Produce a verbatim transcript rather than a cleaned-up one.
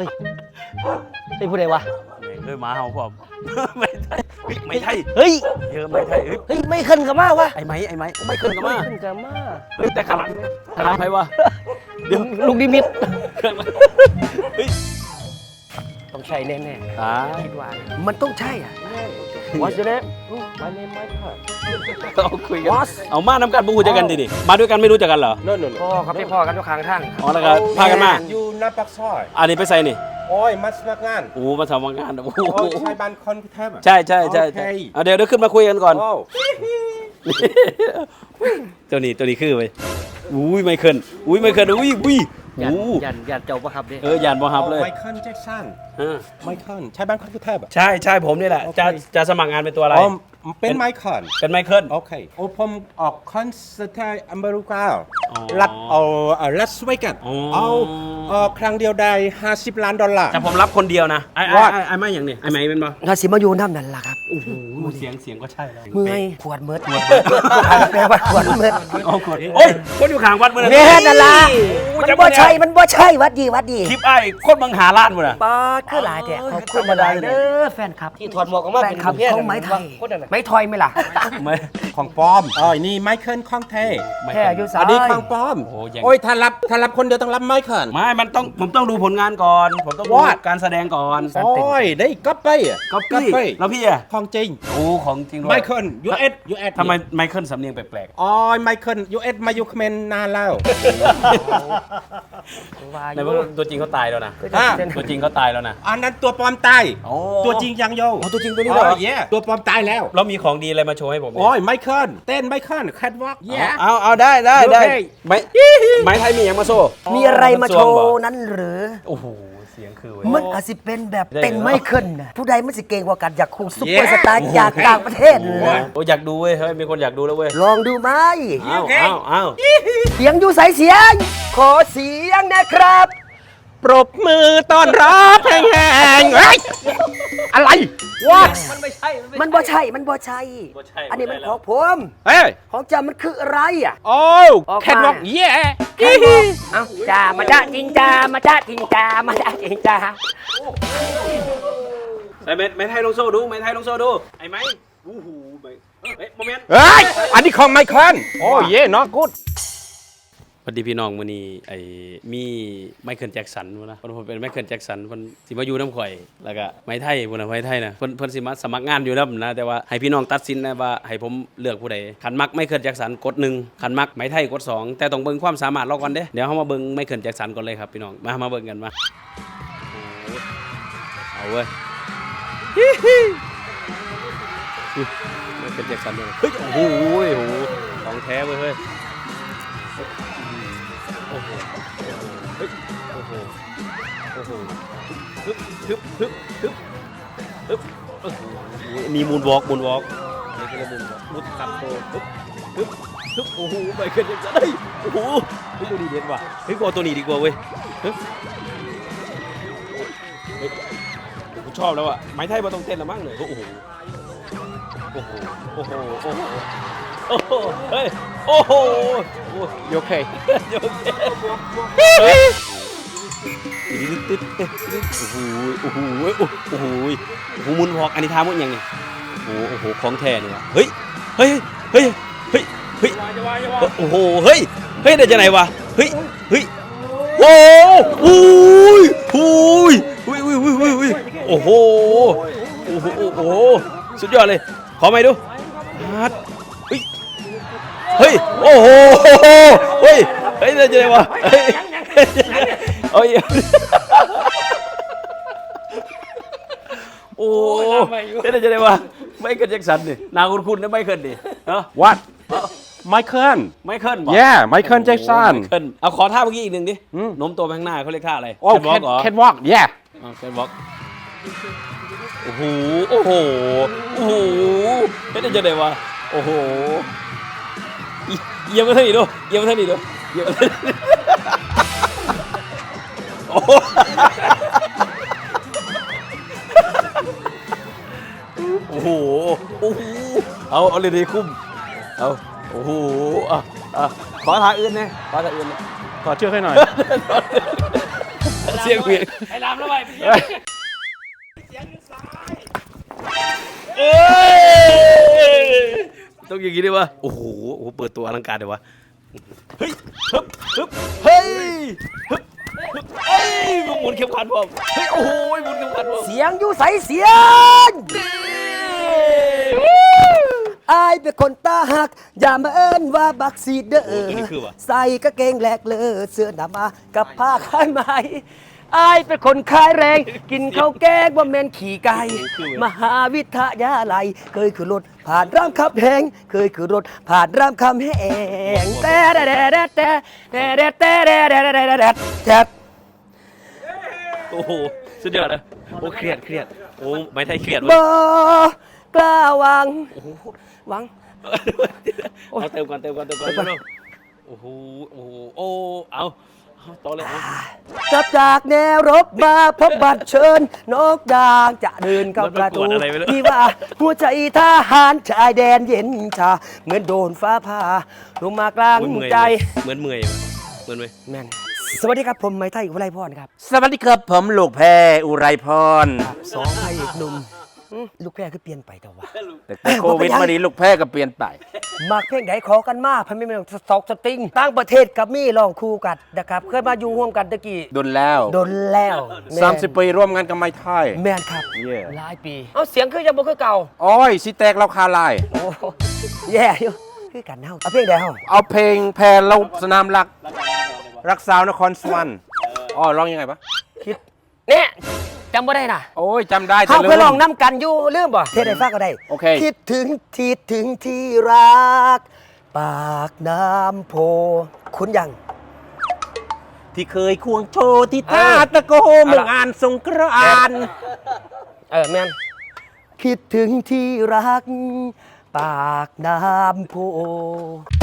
ฮ้ยไอ้ผู้ใดวะเฮ้ยหมาเห่าพร้อมไม่ไทยไม่ไทยเฮ้ยเยอะไม่ไทยเฮ้ยเฮ้ยไม่ขึ้นกับมาวะไอ้ไม้ไอ้ไม้ไม่ขึ้นกับมาขึ้นกับมาเฮ้ยแต่ขลังขลังใครวะเดี๋ยวลูกดิมิตเครื่องเฮ้ยต้องใช่แน่อ่าๆคิดว่ามันต้องใช่อ่ะ What's your name My name Michael เอาคุยกันเอามาน้ำกันบุกเจอกันดิดิมาด้วยกันไม่รู้จักกันเหรอโน่นโน่นพ่อครับที่พ่อกันทุกครั้งท่านอ๋อแล้วก็พากันมาอยู่หน้าปากซอยอันนี้ไปใส่นี่โอ้ยมาสมัครงานโอ้มาทำงานโอ้โหโอ้ยใช่บ้านคนกรุงเทพอ่ะใช่ใช่ใช่ใช่เอาเดี๋ยวเดี๋ยวขึ้นมาคุยกันก่อนโอ้ตัวนี้ตัวนี้คือไปอุ้ยไม่ขึ้นอุ้ยไม่ขึ้นอุ้ยอุ้ยยันอู้ยันยันเจ้าประครับดิเออหยานบอฮับเลยไมเคิลแจ็คสันเออไมเคิลใช่บ้านคนกรุงเทพอ่ะใช่ใช่ผมนี่แหละโอเคจะจะสมัครงานเป็นตัวอะไรอ๋อเป็นไมเคิลเป็นไมเคิลโอเคโอ้ผมออกคอนเสิร์ตที่อเมริกาอ๋อรัฐเอาลาสเวกัสอ๋อเอาเอ่อครั้งเดียวได้ห้าสิบล้านดอลลาร์แต่ผมรับคนเดียวนะไอ้ไอ้ What? ไอ้ไอ้ไม่อย่างนี้ไอ้ไม่เป็นปะถ้าสิมาอยู่น้ำนั่นล่ะครับโอ้โหเสียงเสียงก็ใช่แล้วเมื่อยปวดเมิดปวดแปลว่าปวดเมิดโอ้โหโอ้ยคนอยู่ข้างวัดเมื่อแน่นั่นล่ะโอ้มันจำบ่ได้ใช่มันบ่ใช่วัดดีวัดดีคลิปไอ้คนบังหาล้านหมดอ่ะปาดคือหลายแต่ขอบคุณมาได้เด้อแฟนคลับที่ถอดหมวกออกมาเป็นคำของไม้ไทยไม้ทอยไหมล่ะไม่ของปลอมอ๋อนี่ไมเคิลของแท้ไม่แค่อายุสาอัยนนี้ของปลอมโอ้ยังโอ้ยถ้ารับถ้ารับคนเดียวต้องรับไมเคิลไม่มันต้องผมต้องดูผลงานก่อน ผมต้องดู What? การแสดงก่อนโอ้ยได้ก๊อปไปอ่ะก็ก๊อปพี่ไปแล้วพี่อ่ะของจริงโอ้ของจริงด้วยไมเคิลยูเอสยูเอสทำไมไมเคิลสำเนียงแปลกอ๋อไมเคิลยูเอสมาอยู่เขมรนานแล้วว่าๆอในยู่ว่าตัวจริงเขาตายแล้วนะอ่ะตัวจริงเขาตายแล้วนะอันนั้นตัวปลอมตายโอ้ตัวจริงยังโยอ๋อตัวจริงตัวนี้เหรออ๋อ yeah ตัวปลอมตายแล้วแล้วมีของดีอะไรมาโชว์ให้ผมเนี่ยโอ้ยไมเคิลเต้นไมเคิลแคทวอล์ก yeah เอาเอาได้ได้ได้โอเคไม้ไม้ไทยมีอย่างมาโซ่มีอะไรมาโชว์นั้นหรือโอ้โหเสียงคือเว้ยมันอาจสิเป็นแบบได้เต็งเหรอไม่ขึ้นนะผู้ใดมันสิเก่งกว่ากันอยากคู่ซุปเปอร์สตาร์จากต่างประเทศเลยโอ้อยากดูเว้ยเฮ้ยมีคนอยากดูแล้วเว้ยลองดูไหมอ้าวอ้าวอ้าวเสียงอยู่ใสเสียง ขอเสียงนะครับปรบมือต้อนรับแห่งๆเฮ้ยอะไรวะมันบ่ใช่ มันบ่ใช่บ่ใช่อันนี้มันบ่ใช่ของผมเฮ้ยของจ้ามันคืออะไรอ่ะโอ้ออกมาแคทวอล์ก yeah ใครบอกเอ้าจ้ามาจ้าจริงจ้ามาจ้าจริงจ้ามาจ้าจริงจ้าไอ้ไม้ไม้ไทยลงโซ่ดูไม้ไทยลงโซ่ดูไอ้ไม้โอ้โหไม้เฮ้ยโมเมนต์เฮ้ยอันนี้ของไมเคิลโอ้เย่เนาะกูดสวัสดีพี่น้องมื้อนี้ไอ้มีไมเคิลแจ็คสันพุ่นนะเพิ่นเป็นไมเคิลแจ็คสันเพิ่นสิมาอยู่น้ำข่อยแล้วก็ไม้ไทยพุ่นน่ะไม้ไทยน่ะเพิ่นเพิ่นสิมาสมัครงานอยู่นำนะแต่ว่าให้พี่น้องตัดสินนะว่าให้ผมเลือกผู้ใดคันมักไมเคิลแจ็คสันกดหนึ่งคันมักไม้ไทยกดสองแต่ต้องเบิ่งความสามารถเราก่อนเด้เดี๋ยวเฮามาเบิ่งไมเคิลแจ็คสันก่อนเลยครับพี่น้องมามาเบิ่งกันมาเอาเว้ยไมเคิลแจ็คสันด้วยเฮ้ยโอ้โหโอ้โหของแท้เว้ยเฮ้ยโอ้โหเฮ้ยโอ้โหโอ้โหฮึบฮึบฮึบฮึบฮึบโอ้โหมีมูนวอล์กมูนวอล์กนี่คือมูนวอล์กมุดขับโตฮึบฮึบฮึบโอ้โหไปขึ้นยังไงเฮ้ยโอ้โหเฮ้ยตัวนี้เด่นว่ะเฮ้ยกูเอาตัวนี้ดีกว่าเว้ยฮึบเฮ้ยกูชอบแล้วอ่ะไม้ไทยมาต้องเต้นละมั้งเลยโอ้โหโอ้โหโอ้โหโอ้โหโอ้โหเฮ้ยโอ้โหโอเคโอเคเฮ้ยตึ๊ดตึ๊ดตึ๊ดโอ้โหโอ้โหโอ้โหโอ้โหโอ้โหมุนหอกอันนี้ท่ามุนยังเนี่ยโอ้โหโอ้โหของแท้เนี่ยวะเฮ้ยเฮ้ยเฮ้ยเฮ้ยเฮ้ยโอ้โหเฮ้ยเฮ้ยได้จากไหนวะเฮ้ยเฮ้ยโอ้โหโอ้ยโอ้ยโอ้ยโอ้ยโอ้ยโอ้ยโอ้โหโอ้โหโอ้โหสุดยอดเลยขอไหมดูฮัดเฮ้ยเฮ้ยโอ้โหเฮ้ยเฮ้ยได้จากไหนวะเฮ้ยโอ้ยโอ้ได้จากไหนวะไม่เคิลแจ็คสันนี่นาคุณคุณนะไม่เคิลดิเนาะ what ไมเคิลไม่เคิล yeah ไมเคิลแจ็คสันไมเคิลเอาขอท่าเมื่อกี้อีกหนึ่งดิอืมโน้มตัวไปข้างหน้าเขาเรียกท่าอะไรโอ้แคนวอล์กเหรอแคทวอล์ก yeah แคนวอล์กโอ้โหโอ้โหโอ้โหเฮ้ยได้จากไหนวะโอ้โหเยี่ยมมาท่านี้ดูเยี่ยมมาท่านี้ดูเยี่ยมมาท่านี้โอ้โหโอ้โหโอ้โหเอาเอาเลยดีคุ้มเอาโอ้โหอ่ะอ่ะขอท่าอื่นนะขอท่าอื่นนะขอเชื่อให้หน่อยไเสียงเมียไอ้ลามแล้วไปเอ้ยต้องอย่างนี้ด้วยวะโอ้โหโอ้โหเปิดตัวอลังการเลยวะเฮ้ยฮึบฮึบเฮ้ยฮึบฮึบเอ้ยหมุนเข็มขัดผมเฮ้ยโอ้โหหมุนเข็มขัดผมเสียงอยู่ใสเสียงอายเป็นคนตาหักอย่ามาเอิ้นว่าบักซีเดอร์ใส่กางเกงแหลกเลอเสื้อหนามากับผ้าข้างไหมอายเป็นคนขายแรงกินข้าวแกงบ่แม่นขี่ไก่มหาวิทยาลัยเคยขึ้นรถผ่านรามคำแหงเคยขึ้นรถผ่านรามคำแหงแต่แต่แต่แต่แต่แต่แต่แต่แต่แต่แต่โอ้โหสุดยอดนะโอ้เครียดเครียดโอ้ไม่ไทยเครียดบ่วะกล้าหวังหวังเอาเติมก่อนเติมก่อนเติมก่อนโอ้โหโอ้โหโอ้เอาเอาต่อเลยเอาจับจากแนวรบมาพบบัตรเชิญนกดางจะเดินเข้าประตูที่ว่าหัวใจทหารชายแดนเย็นชาเหมือนโดนฟ้าผ่าลงมากลางใจเหมือนเมื่อยเหมือนเมื่อยแม่นสวัสดีครับผมไม้ไทยอุไรพรครับสวัสดีครับผมลูกแพรอุไรพรสองพระเอกหนุ่มอืมลูกแพร่คือเปลี่ยนไปแต่ว่าแต่โควิดมาดีลูกแพรก็เปลี่ยนไปมากเพลงไหนขอกันมาพันไม่เป็นสอกสติงต่างประเทศกับมี่ลองคู่กันนะครับเคยมาอยู่ร่วมกันตะกี้ดนแล้วโดนแล้วแนสามสิบปีร่วมงานกับไม้ไทยแม่นครับเย่หลายปี เอาเสียงคือยังบ่คือเก่าโอ้ยสิแตกเราคาลายโอ้แย่อยู่คือกันเฮาเอาเพลงใดเฮาเอาเพลงแพรเราสนามรัก รักสาวนครสวรรค์อ๋อร้องยังไงปะคิดเนี่ยจำบ่ได้น่ะโอ้ยจำได้แต่เฮาลืเคยลองมน้ำกันอยู่ลืมบ่เทศได้ฟังก็ได้โอเคคิดถึงที่ถึงที่รัก ปากน้ำโพคุณยังที่เคยควงโชว์ที่ท่าตะโกเมืองอ่านสงกรานต์เออแม่นคิดถึงที่รัก ปากน้ำโพ